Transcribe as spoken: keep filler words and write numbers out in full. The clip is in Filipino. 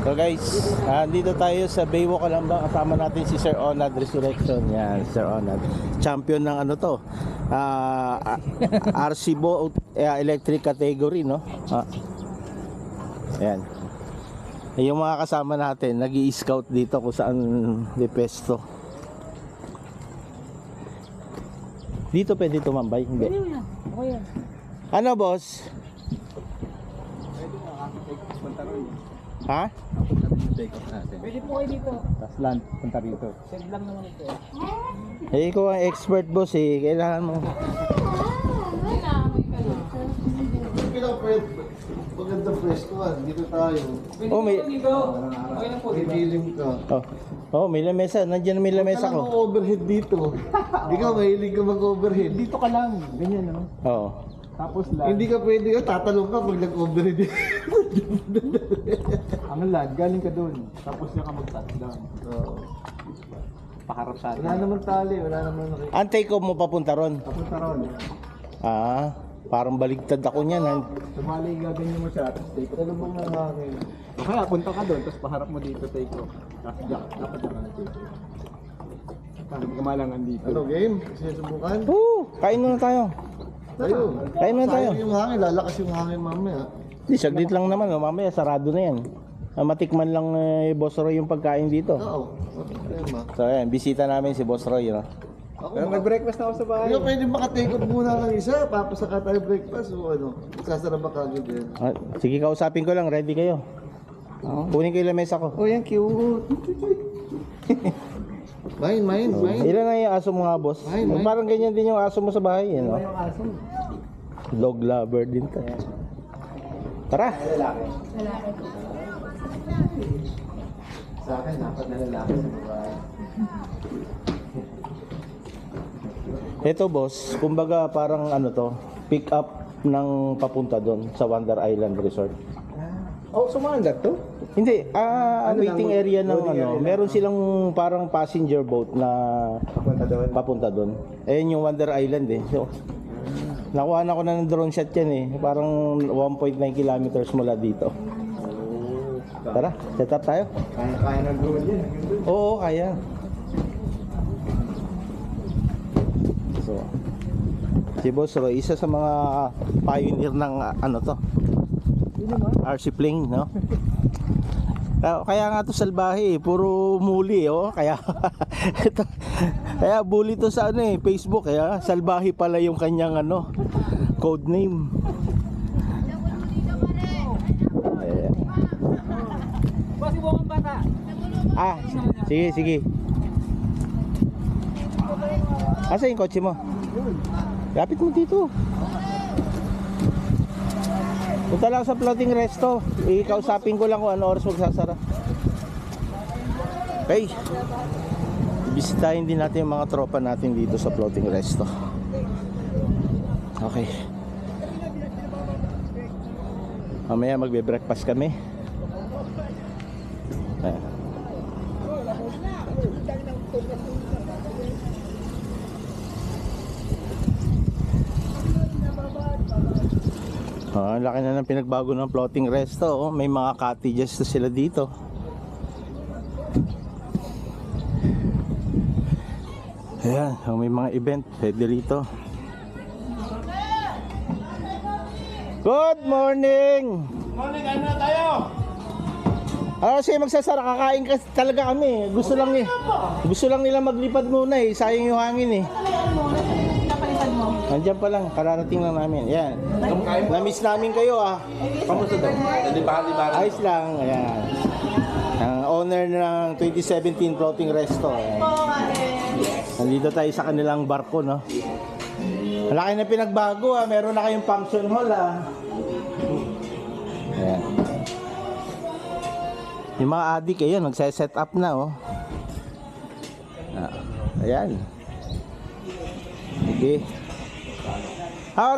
So guys, uh, dito tayo sa Baywalk Calamba. Kasama natin si Sir Onad Resurrection. Yan, Sir Onad. Champion ng ano to? Uh, R C Boat uh, electric category, no? Uh, ayan. Yung mga kasama natin, nag-i-scout dito kung saan di pesto. Dito pwede tumambay? Hindi. Ano, boss? Ha? Pwede po kayo dito. Tapos land, punta rito. Send lang naman ito. Eh, ikaw ang expert, boss eh. Kailangan mo. Maganda presko ah, dito tayo. Pwede Oh, may- po dito. Okay lang po, di ba? Pipiling ka. Oh, oh may lamesa. Nandiyan may lamesa Huwag ka lang ko. overhead dito. Hindi ka mahilig ka mag-overhead. Dito ka lang. Ganyan, no? Oo. Tapos land. Hindi ka pwede ka, tatalong ka pag nag-overhead. Ang land, galing ka doon. Tapos na ka mag-touchdown. Oo. Paharap sa Wala atin. naman tali, wala naman nakikita. Ang take off mo papunta ron. Tapos na ron. Ah, parang baligtad ako niyan. ah. Sumali, gaganyan mo siya. Tapos take off. Ano bang nangangin? O kaya, punta ka doon. Tapos paharap mo dito, take off. Tapos diyak. Dapat diyak ka na take off. Tapos kamalangan dito. Ano game? Sinusubukan? Woo! Kain muna tayo. Tayo. Kain muna tayo. Sayang yung hangin, lalakas yung hangin mamaya. Di, saglit lang naman. Oh. Mamaya, sarado na yan. Ah, matikman lang eh, Boss Roy yung pagkain dito. Oo. Ano problema? So, ayan. Bisita namin si Boss Roy. No? Ako, Pero nag-breakfast na ako sa bahay. Hindi ka pwede makatake off muna ng isa, papasaka tayo breakfast o ano. Sasarap ka agad yan. Ah, sige, kausapin ko lang. Ready kayo. Kunin ko yung lamesa ko. Oh, yan cute. Mine, mine, mine. Ilan na yung aso mo nga, boss? Ay, may- Parang ganyan din yung aso mo sa bahay. Ano? Yung aso. Dog lover din to. Tara! Sa akin, dapat na lalaki sa babae. Ito, boss, kumbaga parang ano to, pick up ng papunta doon sa Wonder Island Resort. Oh, sumandat to? Hindi, ah, Ano waiting lang, area ng loading ano, area lang. meron silang parang passenger boat na Papunta doon. papunta doon. Ayun yung Wonder Island eh. So, nakuha na ko na ng drone shot yan eh. Parang one point nine kilometers mula dito. Tara, set up tayo. Kaya, kaya ng drone yan. Oo, kaya. So, si Boss Roy, isa sa mga pioneer ng ah, ano to, Yun naman. R C plane, no? Kaya, kaya nga to salbahe, eh, puro muli, oh. Kaya ito, kaya bully to sa ano eh, Facebook, kaya salbahe pala yung kanyang ano, code name. Ayan. Basi buong bata. Ah, sige, sige. Asa yung kotse mo? Lapit mo dito. Punta lang sa floating resto. Ikausapin ko lang kung ano oras magsasara. Okay. Bisitahin din natin yung mga tropa natin dito sa floating resto. Okay. Mamaya magbe-breakfast kami. Ayan. Oh, ang laki na ng pinagbago ng floating resto. Oh. May mga cottages na sila dito. Ayan, oh, may mga event pwede rito. Good morning! Morning, ano na tayo? Ah, kasi magsasara, kakain ka talaga kami. Gusto lang ni Gusto lang nila maglipad muna eh. Sayang yung hangin eh. Nandiyan pa lang, kararating lang namin. Ayan. Na-miss namin kayo ah. Kamusta daw? Hindi ba, di ba? Ayos lang, ayan. Ang owner ng twenty seventeen Floating Resto. Ayan. Nandito tayo sa kanilang barko, no? Malaki na pinagbago ah. Meron na kayong function hall ah. Ayan. Yung mga adik, ayan, magse-set up na, oh. Ah, ayan. Okay.